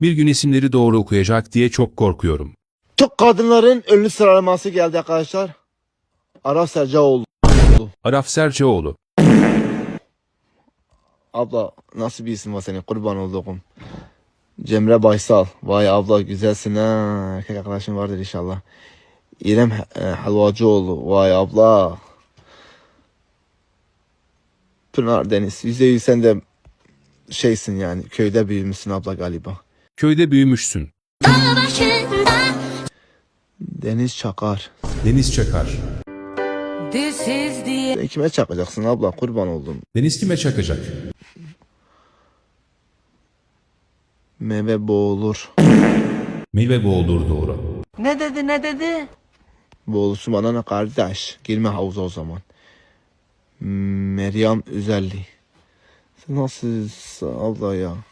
Bir gün isimleri doğru okuyacak diye çok korkuyorum. Türk kadınların ünlü sıralaması geldi arkadaşlar. Araf Sercaoğlu. Araf Serçeoğlu. Abla nasıl bir isim var senin, kurban olduğum. Cemre Baysal. Vay abla güzelsin ha. Erkek arkadaşın vardır inşallah. İrem Helvacıoğlu. Vay abla. Pınar Deniz. %100 sen de şeysin yani. Köyde büyümüşsün abla galiba. Köyde büyümüşsün. Deniz Çakar. Deniz Çakar. Sen kime çakacaksın abla, kurban oldum. Deniz kime çakacak? Meyve boğulur. Meyve boğulur doğru. Ne dedi? Boğulursun bana ne kardeş. Girme havuza o zaman. Meryem Üzelli. Sen nasılsın abla ya?